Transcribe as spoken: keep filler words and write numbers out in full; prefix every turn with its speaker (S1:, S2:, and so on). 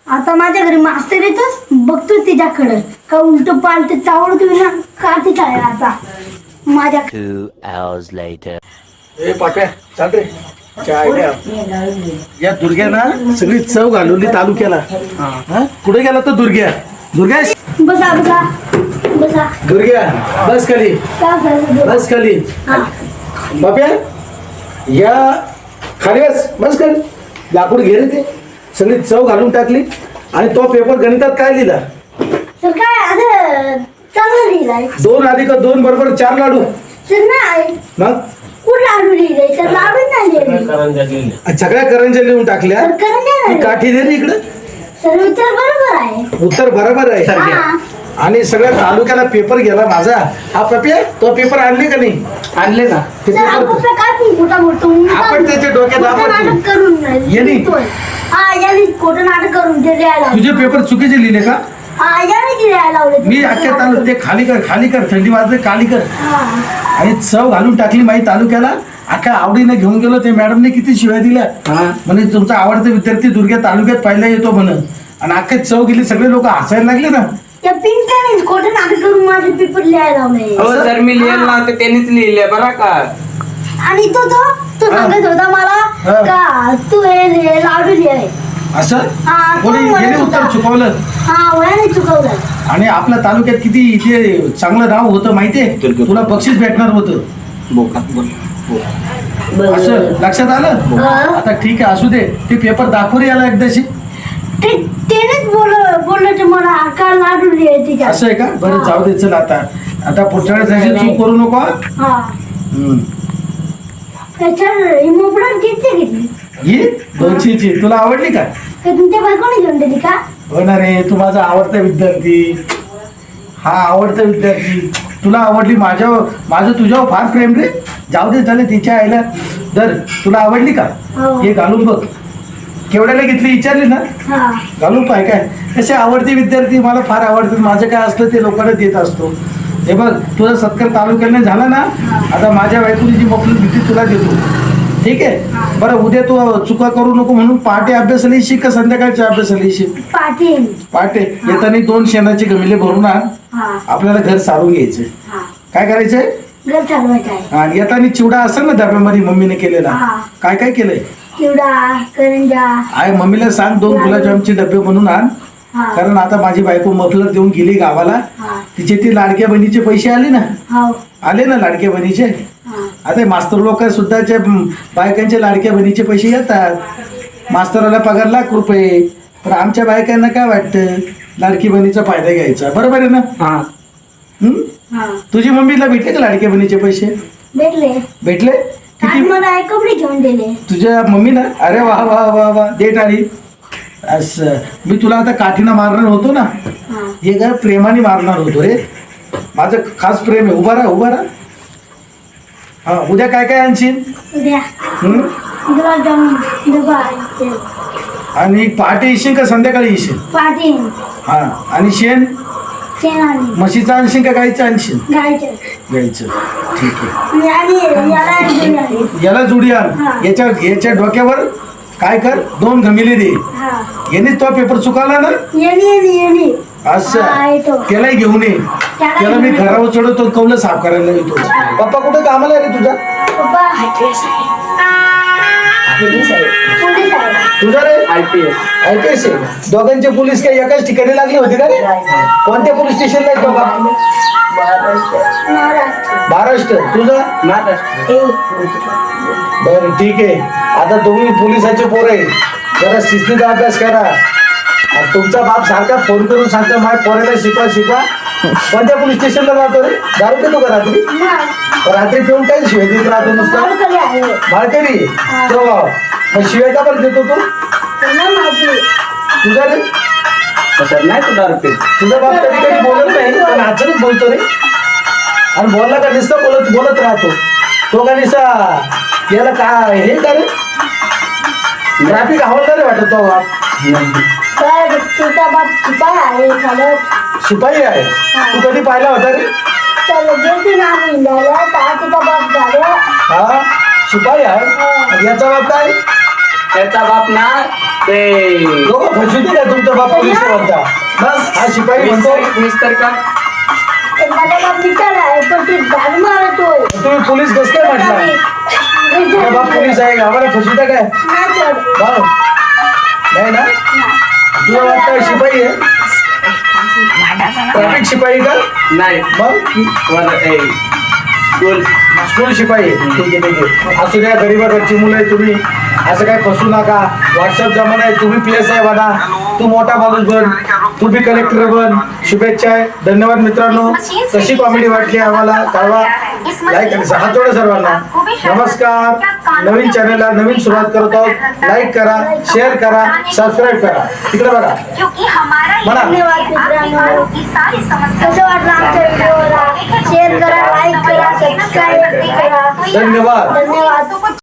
S1: आता माझ्या घरी मास्तर येतोच बघतो तिच्याकडं का उलट पालट चावडतोय ना का तिचा आता माझ्या
S2: Two hours later.
S3: ए पाट्या चाल रे चाय द्या. या दुर्ग्या ना सगळी चव घालवली तालुक्याला. हा कुठे गेला तो दुर्ग्या? दुर्ग्या
S1: बसा बसा बसा
S3: दुर्ग्या बस खाली
S1: का बसा
S3: बस खाली.
S1: हा.
S3: बाप्या या खाली बस बस कर. लाकूड घे रे ते सगळी चव घालून टाकली. आणि तो पेपर गणितात काय लिहिला?
S1: सर काय आता चांगलं लिहिलंय
S3: दोन अधिक दोन बरोबर चार लाडू.
S1: सर नाही
S3: मग
S1: कुठं लाडू लिहिलंय सर लाडू नाही लिहिलंय
S3: सगळ्या करंज्या लिहून टाकल्या.
S1: सर करंज्या
S3: ती
S1: नाही
S3: काठी दे रे इकडं.
S1: सर उत्तर बरोबर आहे
S3: उत्तर बरोबर आहे.
S1: हा.
S3: आणि सगळ्या तालुक्याला पेपर गेला माझा. हा पप्या तो पेपर आणले का नाही? आणले ना ते
S1: सर
S3: पेपर.
S1: आपण काय पण खोटा बोलतो
S3: आपण त्याच्या डोक्यात
S1: खोटं
S3: आपण-
S1: नाटक करून
S3: येणे.
S1: लिहितोय. हा याने खोटं नाटक करून ते लिहायला
S3: तुझे पेपर चुकीचे लिहिले का?
S1: हा याने ते लिहायला लावले
S3: मी अख्ख्या तालु ते खाली कर खाली कर थंडी वाजते खाली कर.
S1: हा.
S3: आणि चव घालून टाकली माही तालुक्याला. अख्ख्या आवडीने घेऊन गेलो. ते मॅडमने किती शिवाय दिल्या. म्हणजे तुमचा आवडता विद्यार्थी दुर्ग्या तालुक्यात पहिला येतो म्हणून. आणि अख्खे चव गेली. सगळे लोक हसायला लागले ना.
S1: त्या पिंकाने खोटं नाटक करून माझे पेपर लिहायला लावले
S4: हो सर मी लिहिलं ना ते त्यांनीच लिहिले बरं का.
S1: आणि तो तो तो
S3: हा.
S1: सांगत होता मला
S3: हा.
S1: का तू हे लिह- लाडू लिहाय
S3: असं
S1: हा, तो
S3: कोणी
S1: म्हणत
S3: गेले उत्तर
S1: होता.
S3: चुकवलं.
S1: हा वयाने चुकवलं
S3: आणि आपल्या तालुक्यात किती इथे चांगलं नाव होतं माहितीये. तुला बक्षीस भेटणार होतं. असं लक्षात आलं.
S1: हा.
S3: आता ठीक आहे असू दे. ते पेपर दाखव रे याला एकदाशी.
S1: ते त्यानेच बोल बोललं ते मला का लाडू लिहायची का
S3: असं आहे का? बरं जाऊ दे चल आता. आता पुढच्या वेळेस अशी चूक करू नको हा?
S1: हा
S3: हम्म.
S1: त्याच्यावर ही मोपडा किती घेतली
S3: ही दोनशेची तुला आवडली का?
S1: का तुमच्या बायकोने घेऊन दिली का
S3: हो ना रे. तू माझा आवडता विद्यार्थी. हा आवडता विद्यार्थी. तुला आवडली. माझ्या माझं तुझ्यावर फार प्रेम रे. जाऊ दे झालं तिच्या आईला. दर तुला आवडली का?
S1: हो.
S3: हे घालून बघ. केवढ्याला घेतली विचारली ना?
S1: हा
S3: घालून पाय काय तसे आवडते विद्यार्थी मला फार आवडतात. माझं काय असलं ते लोकांना देत असतो. हे बघ तुझा सत्कार तालुक्याने झाला ना. आता माझ्या बायकोनी जी मोकळी भीती तुला देतो. ठीक आहे. बरं उद्या तू चुका करू नको म्हणून पहाटे अभ्यासाला येशील का संध्याकाळच्या अभ्यासाला येशील?
S1: पाटील
S3: पहाटे येताना दोन शेणाचे गमिले भरून आण.
S1: हा
S3: आपल्याला घर सारून घ्यायचं.
S1: हा
S3: काय करायचंय?
S1: घर चालवायचं आहे
S3: आणि येताना चिवडा असेल ना डब्यामध्ये मम्मीने केलेला.
S1: हा.
S3: काय काय केलंय?
S1: चिवडा करंजा
S3: आय मम्मीला सांग दोन गुलाबजामचे डबे बनवून आण.
S1: हा
S3: कारण आता माझी बायको मफलर देऊन गेली गावाला.
S1: हा
S3: तिचे ते लाडक्या बहिणीचे पैसे आले ना.
S1: हो
S3: आले ना लाडक्या बहिणीचे.
S1: हा
S3: आता हे मास्तर लोक सुद्धाच्या बायकांचे लाडक्या बहिणीचे पैसे येतात. मास्तराला पगार लाख रुपये. तर आमच्या बायकांना काय वाटतं लाडकी बहिणीचा फायदा घ्यायचा. बरोबर आहे ना?
S4: हा
S3: हम्म?
S1: हा
S3: तुझी मम्मीला भेटले का लाडक्या बहिणीचे पैसे?
S1: भेटले
S3: भेटले
S1: आज
S3: किती?
S1: मला एक कपडे घेऊन दिले
S3: तुझ्या मम्मीला? अरे वा वा वा वा दे टाळी. असं मी तुला आता काठीनं मारणार होतो ना.
S1: हा
S3: हे काय प्रेमाने मारणार होतो रे. माझं खास प्रेम आहे. उभा राहा उभा राहा. हा उद्या काय काय आणशील?
S1: उद्या
S3: हम्म?
S1: गुलाबजामुन डबा ते
S3: आणि पहाटे येशील का संध्याकाळी येशील?
S1: पाटील
S3: हा आणि शेण
S1: शेण आणि
S3: म्हशीचं आणशील का गाईचं आणशील?
S1: गायचं
S3: गाईचं. ठीक आहे.
S1: आणि याला घेऊन आले
S3: याला जुडी आण.
S1: हा.
S3: याच्या याच्या डोक्यावर काय कर दोन घमिले दे.
S1: हा
S3: यानेच तो पेपर चुकाला ना.
S1: येणी येणी येणी हा,
S3: असं
S1: येतो.
S3: त्यालाही घेऊन ये.
S1: त्याला
S3: त्याला मी
S1: घेऊन ये.
S3: घरावर चढवतो कौलं साफ करायला येतो. पप्पा कुठं कामाला आहे रे तुझा?
S1: पप्पा पोलीस आहे पोलीस आहे
S3: तुझा रे
S4: I P S
S3: I P S आहे. दोघांचे पोलीस काय एकाच ठिकाणी लागले होते का रे? कोणत्या पोलीस स्टेशनला आहे बाबा?
S1: महाराष्ट्र
S3: महाराष्ट्र. तुझं?
S4: महाराष्ट्र.
S1: ए
S3: बरं ठीक आहे. आता तुम्ही पोलिसाचे पोर आहे. जरा शिस्तीचा अभ्यास करा. आणि तुमचा बाप सारखा फोन करून सांगतो माझ्या पोराला शिकवा शिकवा. कोणत्या पोलीस स्टेशनला जातो रे? दारू पितो का रात्री?
S1: नाही
S3: रात्री पिऊन काय शिवाय देत राहतो नुसतं?
S1: मालकरी आहे
S3: माळकरी. तो मग शिवाय का बरं देतो तू?
S1: त्यांना माहिती
S3: तुझा रे?
S4: सर नाही तू दारू पित.
S3: तुझा बाप कधी कधी बोलत नाही पण अचानक बोलतो रे. आणि बोलला का नुसतं बोलत बोलत राहतो. तो का निसा याला काय हे का रे? ट्रॅफिक हवालदार वाटत तो बाप.
S1: तर तुझा बाप शिपाई आहे चालत
S3: शिपाई आहे. तू कधी पाहिला होता रे?
S1: तर गेली ना आम्ही झालं तर तुझा बाप झालं
S3: हा शिपाई आहे. आणि याचा बाप काय?
S4: त्याचा बाप ना ते
S3: लोक फसवते का तुमचा बाप पोलीस म्हणता बस हा शिपाई म्हणतो
S4: मिस्टर मिस्टर का
S1: ते माझा बाप बिचारा आहे पण ते झाडू मारतोय.
S3: तुम्ही पोलीस कस काय म्हटला तुझा बाप पोलीस आहे आम्हाला फसवता काय
S1: नाही सर.
S3: भाऊ नाही ना तुझा बाप काय शिपाई आहे ट्रॅफिक शिपाई का
S4: नाही
S3: मग
S4: वर- ए, स्कूल
S3: स्कूल शिपाई आहे. ठीक आहे ठीक आहे असू द्या गरीबाकडची मुलं आहे तुम्ही असं काय फसू नका व्हॉट्सअप जमाना आहे तुम्ही पी एस आय बना तू मोठा माणूस बन तू बी कलेक्टर बन शुभेच्छा आहे धन्यवाद मित्रांनो कशी कॉमेडी वाटली आम्हाला कळवा लाईक आणि हात जोडा सर्वांना नमस्कार नवीन चॅनलला नवीन सुरुवात करत आहोत लाईक करा शेअर करा सबस्क्राईब करा तिकडे बघा
S5: क्योंकि हमारा
S3: म्हणा.
S5: ये है आपके घरों की सारी समस्याओं
S1: कसं वाटलं आमच्या व्हिडिओला शेअर करा लाईक करा सबस्क्राईब करा
S3: धन्यवाद
S1: धन्यवाद.